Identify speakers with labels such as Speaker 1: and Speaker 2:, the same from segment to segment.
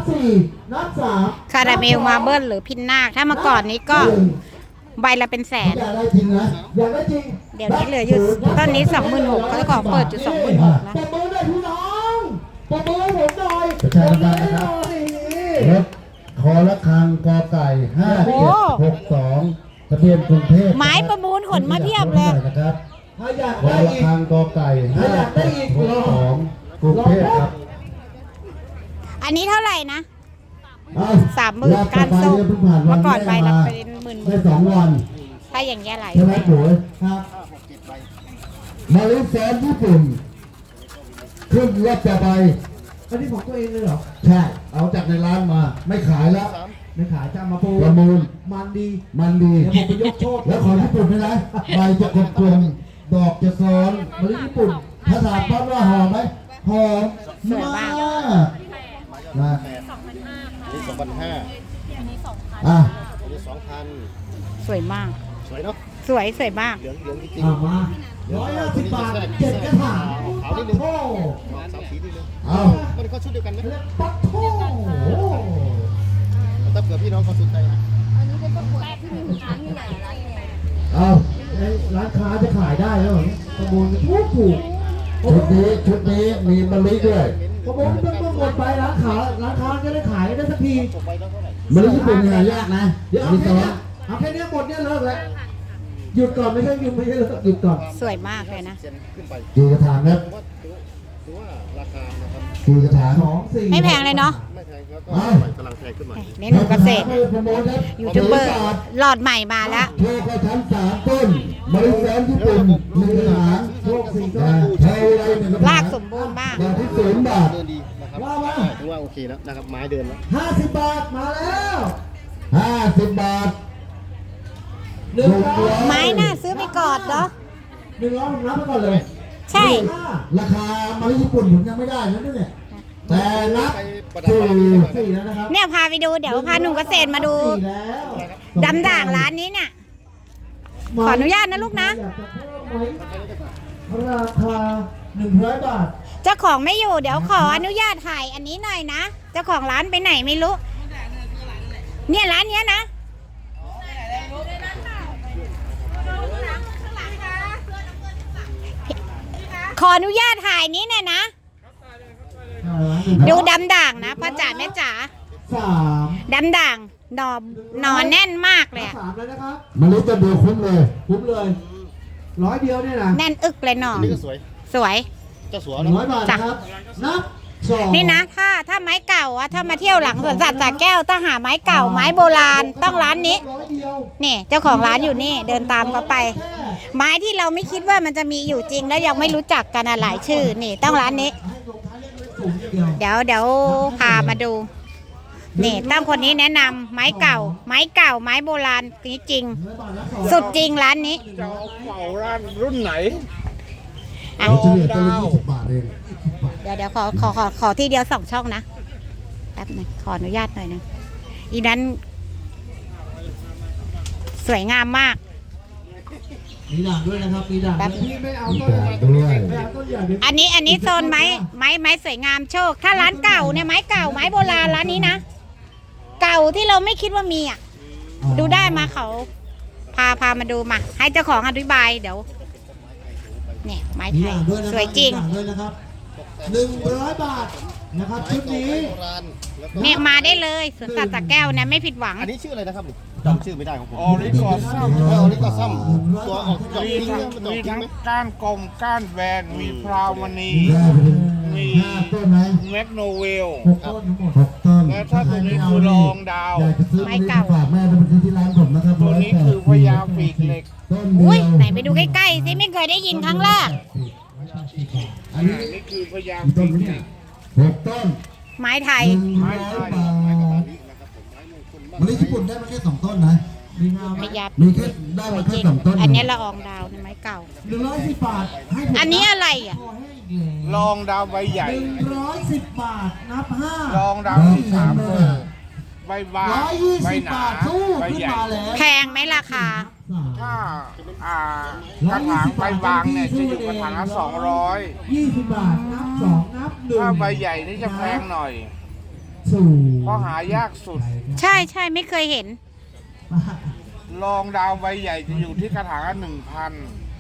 Speaker 1: 4นับ3
Speaker 2: คาราเมลมาเบิลหรือพินนาคถ้าเมื่อก่อนนี้ก็ใบละเป็นแสน
Speaker 1: อยากได้จริงนะอยากได้จริง
Speaker 2: เดี๋ยวนี้เหลืออยู่ต้นนี้ 26,000เขาจะขอเปิดอยู่26,000นะ
Speaker 1: ปรบมือหน่อยพี่น้องปรบมือให้ผมหน่อย
Speaker 3: ประชาสัมพันธ์นะครับรถคอละคังกอไก่5762ทะเบียนกรุงเทพ
Speaker 2: ไม้ประมูลขนมาเพียบเลย
Speaker 3: นะครับ
Speaker 1: ถ้าอยาก
Speaker 3: คอ
Speaker 1: ได้
Speaker 3: ละ
Speaker 1: อีก
Speaker 3: คังกอไก่5762กรุงเทพครับ
Speaker 2: อันนี้เท่าไหร่นะ
Speaker 3: เอ้
Speaker 2: 30,000การส่งเมื่อก่อนใบละเป็นหมื่น
Speaker 3: ได้2 วัน
Speaker 2: ๆถ้าอย่างเงี้ยไหล
Speaker 3: ใช่ไหมปุ๋ย
Speaker 1: ครับ
Speaker 3: มาลิแซนญี่ปุ่นขึ้นรถจะไป
Speaker 1: อันนี้ของตัวเองเลยเหรอ
Speaker 3: ใช่ เอาจากในร้านมา ไม่ขายแล้ว
Speaker 1: ไม่ขายจะมาปู
Speaker 3: ประมูล
Speaker 1: มันดี
Speaker 3: มันดี
Speaker 1: เดี๋ยวผมไปยกโชค
Speaker 3: แล้วของญี่ปุ่นด้วยนะใบจะกลมๆดอกจะซ้อน
Speaker 1: มะลิญี่ปุ่น
Speaker 3: ถ้าถามปั๊บว่าหอมไหมหอม
Speaker 2: สวยมาก
Speaker 3: นะ
Speaker 4: นี่2,500
Speaker 3: อ่ะ
Speaker 4: อันนี้2,000
Speaker 2: สวยมาก
Speaker 4: สวยเนาะ
Speaker 2: สวยมาก
Speaker 4: เหลืองจริง
Speaker 1: มา150 บาท7กระถาง
Speaker 4: ขาวนิดนึง
Speaker 1: โอ้
Speaker 4: สามสีนิดนึง
Speaker 3: เอา
Speaker 4: มันเขาชุดเดียวกันไหม
Speaker 1: ปัดโถ
Speaker 4: ถ้าเผื่อพี่น้องเขาสนใจนะ
Speaker 3: เอา
Speaker 1: ร้านค้าจะขายได้แล้วเหรอประมูลถูก
Speaker 3: ชุดนี้มีมะลิด้วย
Speaker 1: ประมูลเพิ่งหมดไปร้านค้าจะได้ขายได้สักที
Speaker 4: ตกไปแล้วเท่าไหร่
Speaker 3: มะลิญี่ปุ่นเนี่ยยากนะ
Speaker 1: เดี๋ยวเอา
Speaker 3: มี
Speaker 1: แค่
Speaker 3: ซ้อ
Speaker 1: เนี้
Speaker 3: น
Speaker 1: ยเอาแค่เนี้ยหมดเนี่ยเลิกแล้วหยุดก่อนไม่ใช่หยุดไม่ใช่เลิกหยุดก่อน
Speaker 2: สวยมากเลยนะ
Speaker 4: เซ็นขึ้นไป
Speaker 3: กี่กระถางครับ
Speaker 4: ถือว่าราคานะครับ
Speaker 3: กี่กระถาง
Speaker 1: 2 4
Speaker 2: ไม่แพงเลยเนาะ
Speaker 4: ไม่แพงแล้วก็
Speaker 3: อ้าว
Speaker 4: กำลังแพงขึ้นมา
Speaker 2: นี่หนูเกษตร
Speaker 3: ประมูลครับ
Speaker 2: ยูทูบเบอร์หลอดใหม่มาแล้ว
Speaker 3: โชว์กระถาง3 ต้นมะลิแซนญี่ปุ่น1กระถาง
Speaker 1: โชค4ก็
Speaker 3: เท่าไร1กระถาง
Speaker 2: รากสมบูรณ์มาก
Speaker 3: ดอกที่0 บาท
Speaker 4: เดินดีนะครับถือว่าโอเคแล้วนะครับไม้เดินแล้ว
Speaker 1: 50 บาทมาแล้ว
Speaker 3: 50 บาท
Speaker 1: 100
Speaker 2: ไม้น่าซื้อไปกอดเหรอ
Speaker 1: 100ผมรับไปก่อนเลย
Speaker 2: ใช่
Speaker 3: ราคามาลิญี่ปุ่นผมยังไม่ได้นะเนี่ยแต่นับ
Speaker 4: ไปประดับ
Speaker 3: สี่
Speaker 1: 4แล้วนะครับ
Speaker 2: เนี่ยพาไปดูเดี๋ยวพาหนุ่มเกษตรมาดู
Speaker 1: 4แล้ว
Speaker 2: ดำด่างร้านนี้เนี่ย ขออนุญาตนะลูกนะ
Speaker 1: อยากจะเพิ่มไหมราคา100 บาท
Speaker 2: เจ้าของไม่อยู่เดี๋ยวขออนุญาตถ่ายอันนี้หน่อยนะ เจ้าของร้านไปไหนไม่รู้ เนี่ยร้านเนี้ยนะ ขออนุญาตถ่ายนี้หน่อยนะ ดูดำด่างนะพ่อจ๋าแม่จ๋า
Speaker 1: 3
Speaker 2: ดำด่างหนอนแน่นมากเลยอะ
Speaker 1: 3แล้วนะครับ
Speaker 3: มาลิจะดูคุ้มเลย
Speaker 1: คุ้มเลย100 เดียวเนี่ยนะ
Speaker 2: แน่นอึกเลยหนอ
Speaker 4: อั
Speaker 2: น
Speaker 4: นนี้ก็สวย
Speaker 2: สวย
Speaker 4: เจ้าสัว
Speaker 1: 100 บาทนะครับ นับ2
Speaker 2: นี่นะถ้าไม้เก่าอะถ้ามาเที่ยวหลังสวนสัตว์สระแก้วถ้าหาไม้เก่าไม้โบราณต้องร้านนี้
Speaker 1: 100 เดียว
Speaker 2: นี่เจ้าของร้านอยู่นี่เดินตามเขาไป ไม้ที่เราไม่คิดว่ามันจะมีอยู่จริงแล้วยังไม่รู้จักกันอะหลายชื่อนี่ต้องร้านนี้
Speaker 1: ให้ลงท้ายเลขสูงอย่างเดียว
Speaker 2: เดี๋ยวพามาดู นี่ตั้งคนนี้แนะนำไม้เก่า ไม้โบราณนี้จริง
Speaker 1: 100 บาทแล้ว2
Speaker 2: สุดจริงร้านนี้
Speaker 5: จะเอาเป่าร้านรุ่นไหน
Speaker 2: อ่ะ
Speaker 3: เฉลี่ยต้นละ20 บาทเอง
Speaker 2: เดี๋ยวขอทีเดียว2 ช่องนะแป๊บนึงขออนุญาตหน่อยนึงอีนั้น สวยงามมาก
Speaker 1: มีด่างด้วยนะครับ มีด่าง
Speaker 2: แป๊บ
Speaker 1: พี่ไม่เอา
Speaker 3: มี
Speaker 1: ต้น
Speaker 3: ด่างด้วย
Speaker 1: ไม่เอาต้นใหญ่เดี๋ยว
Speaker 2: อันนี้โซนไม้สวยงามโชค ถ้าร้านเก่าเนี่ยไม้เก่าไม้โบราณร้านนี้นะ เก่าที่เราไม่คิดว่ามีอ่ะ ดูได้มาเขาพามาดูมา ให้เจ้าของอธิบายเดี๋ยว เนี่ยไม้
Speaker 1: มี
Speaker 2: ไทย
Speaker 1: ด่างด้วยนะครับ
Speaker 2: สวยจริง
Speaker 1: มีด่างด้วยนะครับ100 บาทนะครับชุดนี้
Speaker 4: โบราณแล้วก็
Speaker 2: เนี่ยมาได้เลยสวนสัตว์สระแก้วเนี่ยไม่ผิดหวัง
Speaker 4: อันนี้ชื่ออะไรนะครับจำชื่อไม่ได้ของผม
Speaker 5: ออริกอซัม
Speaker 4: ออริกอซัมตัวออกดอก
Speaker 5: มี
Speaker 4: ทิ้ง
Speaker 5: ทั้ง
Speaker 4: เนี่ยมันดอก
Speaker 5: มี
Speaker 4: ทิ้ง
Speaker 5: ทั้ง
Speaker 4: ไหม
Speaker 5: ก้านกลมก้านแบนมีพราวมณี
Speaker 3: ได้ไปถึง5 ต้นไหม
Speaker 5: แมกโนเวล
Speaker 1: 6 ต้นทั้งหมด
Speaker 3: 6 ต้น
Speaker 5: และถ้าตรงนี้คือรองดาว
Speaker 3: อยากจะซื้อ
Speaker 2: ไม้เก่า
Speaker 3: ฝากแม่ไปซื้อที่ร้านผมนะครับ
Speaker 5: ตัวนี้คือพญาปีกเหล็ก
Speaker 3: ต้นเดี
Speaker 2: อุ้ย
Speaker 3: ยว
Speaker 2: ไหนไปดูใกล้ๆสิไม่เคยได้ยินครั้งแรก
Speaker 3: อันนี้
Speaker 5: นี่คือพญา
Speaker 3: กี่ต้
Speaker 5: ปี
Speaker 3: น
Speaker 5: ก
Speaker 3: เนี่
Speaker 5: เห
Speaker 3: ย
Speaker 5: ล็ก
Speaker 3: 6 ต้น
Speaker 2: ไม้ไทย
Speaker 3: 100 บาทมะลิญี่ปุ่นได้มาแค่2 ต้นนะ
Speaker 1: มีงาม
Speaker 2: พยา
Speaker 3: มีแค่ได้มาแค่2 ต้น
Speaker 2: อันนี้ละอองดาวในไม้เก่า
Speaker 1: 110 บาทให้ผม
Speaker 2: อันนี้อะไรอ่ะ
Speaker 1: พอให้อีก
Speaker 5: รองดาวใบใหญ่
Speaker 1: 110 บาทนับ
Speaker 5: รองดาวที่3เบอร์ใบบางใบ
Speaker 1: 5 120
Speaker 5: หนา
Speaker 1: บาทสู้
Speaker 5: ใบ
Speaker 1: ขึ้น
Speaker 5: ใหญ่
Speaker 1: มาแล้ว
Speaker 2: แพงไหมราคา
Speaker 5: ถ้ากระถางใบบางเนี่ยจะอยู่กระถางละ200
Speaker 1: 20 บาทนับ 2 นับ 1
Speaker 5: ถ้าใบใหญ่นี่จะแพงหน่อย
Speaker 1: สู่
Speaker 5: เพราะหายากสุด
Speaker 2: ใช่ใช่ไม่เคยเห็น
Speaker 5: รองดาวใบใหญ่จะอยู่ที่กระถางละ1,000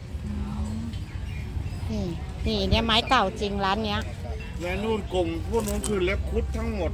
Speaker 2: นี่นี่เนี่ยไม้เก่าจริงร้านเนี้ย
Speaker 5: และนู่นกลุ่มพวกนู้นคือเล็บคุดทั้งหมด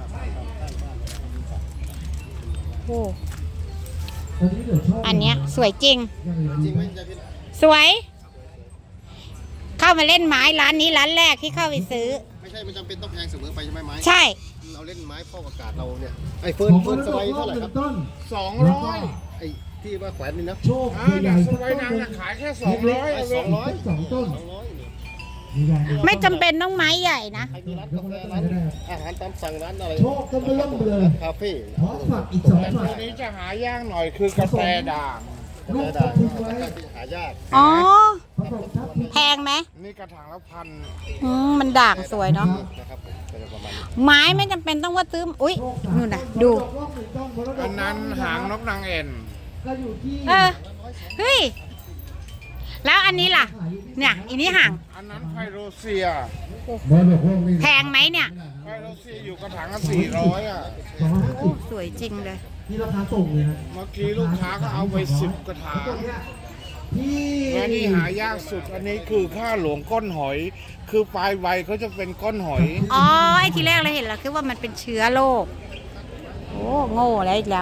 Speaker 2: โอ้
Speaker 1: ตอนนี้เดี๋ยวชอบ
Speaker 2: อันเนี้ยสวยจริง
Speaker 4: จริงไหมยายพิน
Speaker 2: สวย เข้ามาเล่นไม้ร้านนี้ร้านแรกที่เข้าไปซื้อ
Speaker 4: ไม่ใช่มันจำเป็นต้องแพงเสมอไปใช่ไหมไม้
Speaker 2: ใช่
Speaker 4: เราเล่นไม้ฟอกอากาศเราเนี่ยไอ้
Speaker 1: ข
Speaker 4: เฟิ
Speaker 1: อ
Speaker 4: ร์น
Speaker 1: ง
Speaker 4: เฟิร์นสไลด์เท่าไหร่ครับ
Speaker 1: ต้น
Speaker 5: 200
Speaker 4: ไอ้ที่ว่าแขวนนี่นะ
Speaker 1: โชค
Speaker 5: เนี่ยสบายนางจะขายแค่200
Speaker 4: ไอ้
Speaker 5: เอาเลย
Speaker 1: สองต้น
Speaker 4: 200
Speaker 1: นี่ได้
Speaker 2: ไม่จำเป็นต้องไม้ใหญ่นะ
Speaker 4: ใครมีร้านกาแฟร้านอาหารตามสั่งร้านอะไร
Speaker 1: โชคต้นเริ่มเลย
Speaker 4: คาเฟ่
Speaker 1: พร้อมฝักอีก2
Speaker 5: แต่
Speaker 1: ฝั
Speaker 5: ตั
Speaker 1: ก
Speaker 5: วนี้จะหายากหน่อยคือกาแฟด่าง
Speaker 1: ลูก
Speaker 4: กาแฟ
Speaker 1: ทับทิมไว้
Speaker 4: หายาก
Speaker 2: อ๋อ
Speaker 1: ผสมทับทิม
Speaker 2: แพงไหม
Speaker 5: นี่กระถางละพัน
Speaker 2: มันด่างสวยเนาะ
Speaker 4: นะครับเป็นประมาณนี้
Speaker 2: ไม้ไม่จำเป็นต้องว่าซื้อ อุ้ยนู่นน่ะ ดู
Speaker 5: อันนั้นหางนกนางเอ็น
Speaker 1: ก็อยู่ที่
Speaker 2: เออ เฮ้ย แล้วอันนี้ล่ะ เนี่ยอันนี้ห่าง
Speaker 5: อันนั้นไพโรเซีย
Speaker 3: บอลบอกพวกนี้
Speaker 2: แพงไหมเนี่ย
Speaker 5: ไพโรเซียอยู่กระถางละ400อ่ะ
Speaker 2: โอ้สวยจริงเลย
Speaker 1: ที่ราคาส่งเลยนะ
Speaker 5: เมื่อกี้ลูกค้าก็เอาไป10 กระถาง
Speaker 1: ที่
Speaker 5: และนี่หายากสุดอันนี้คือข้าหลวงก้อนหอย คือปลายใบเขาจะเป็นก้อนหอย
Speaker 2: อ๋อ ไอ้ทีแรกเราเห็นแล้วคือว่ามันเป็นเชื้อโรค โอ้โง่แล้วอีกแล้ว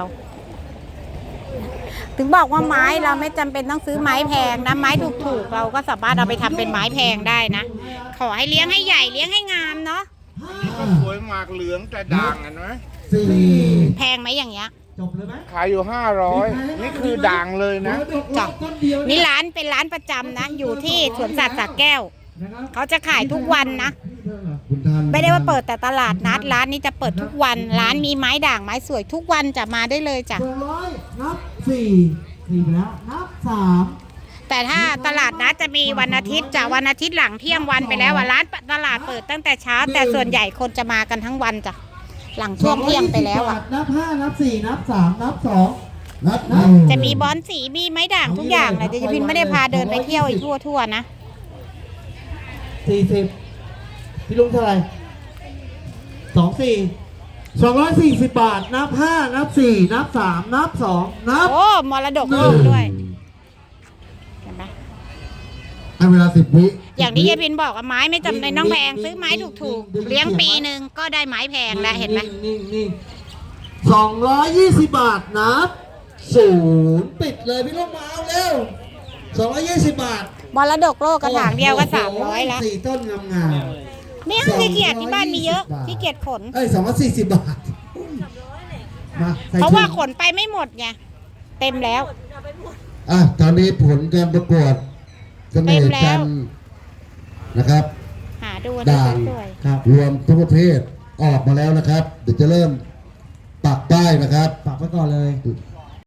Speaker 2: ถึงบอกว่าไม้เราไม่จำเป็นต้องซื้อไม้แพงนะ ไม้ถูกๆเราก็สามารถเอาไปทำเป็นไม้แพงได้นะ ขอให้เลี้ยงให้ใหญ่เลี้ยงให้งามเนาะ
Speaker 5: นี่ก็สวยหมากเหลืองแต่ด่างเห็นไหม
Speaker 1: สี่
Speaker 2: แพงไหมอย่างเงี้ย
Speaker 1: จบเลยไหม
Speaker 5: ขายอยู่500นี่คือด่างเลยนะ
Speaker 2: จ้ะ นี่ร้านเป็นร้านประจำนะ อยู่ที่สวนสัตว์สระแก้ว เขาจะขายทุกวันนะ
Speaker 3: คุณท่าน
Speaker 2: ไม่ได้ว่าเปิดแต่ตลาดนัด ร้านนี้จะเปิดทุกวัน ร้านมีไม้ด่างไม้สวยทุกวันจะมาได้เลยจ้ะ
Speaker 1: 200นับ4ไปแล้วนับ3
Speaker 2: แต่ถ้าตลาดนัดจะมีวันอาทิตย์จ้ะวันอาทิตย์หลังเที่ยงวันไปแล้วอ่ะร้านตลาดเปิดตั้งแต่เช้า แต่ส่วนใหญ่คนจะมากันทั้งวันจ้ะหลังช่วงเที่ยงไปแล้วอ่ะ
Speaker 1: นับ5นับ4นับ3นับ2
Speaker 3: นับ
Speaker 2: จะมีบอนสีมีไม้ด่างทุกอย่างเลยเดี๋ยวจะพินไม่ได้พาเดินไปเที่ยวอีกทั่วๆนะ
Speaker 1: 40พี่ลุงเท่าไหร่240 บาทนับ5นับ4นับ3นับ2นับ
Speaker 2: โอ้มรดกโลกด้วยเห็นไหม
Speaker 3: ให้เวลา10 วิ
Speaker 2: อย่างที่ยายพินบอกว่าไม้ไม่จำเป็นต้องแพงซื้อไม้ถูกๆเลี้ยงปีหนึ่งก็ได้ไม้แพงแล้วเห็นไหม
Speaker 1: นิ่ง220 บาทนับ0ปิดเลยพี่ลุงมาเอาเร็ว220 บาท
Speaker 2: มรดกโลกกระถางเดียวก็300แล้ว
Speaker 1: 4ต้นงาม
Speaker 2: ไม่เอาขี้เกียจที่บ้านมีเยอะขี้เกียจขน
Speaker 1: ๆ240 บาทมาใส่
Speaker 2: เพราะว่า
Speaker 1: ถุง
Speaker 2: ขนไปไม่หมดไงเต็มแล้ว
Speaker 3: อ่ะตอนนี้ผลการประกวดเสน่ห์จันทร์นะครับ
Speaker 2: หาดูได้
Speaker 3: ด่าง
Speaker 2: สวย
Speaker 1: ครับ
Speaker 3: รวมทุกประเภทออกมาแล้วนะครับ เดี๋ยวจะเริ่มปักป้ายนะครับ
Speaker 1: ฝากไว้ก่อนเลย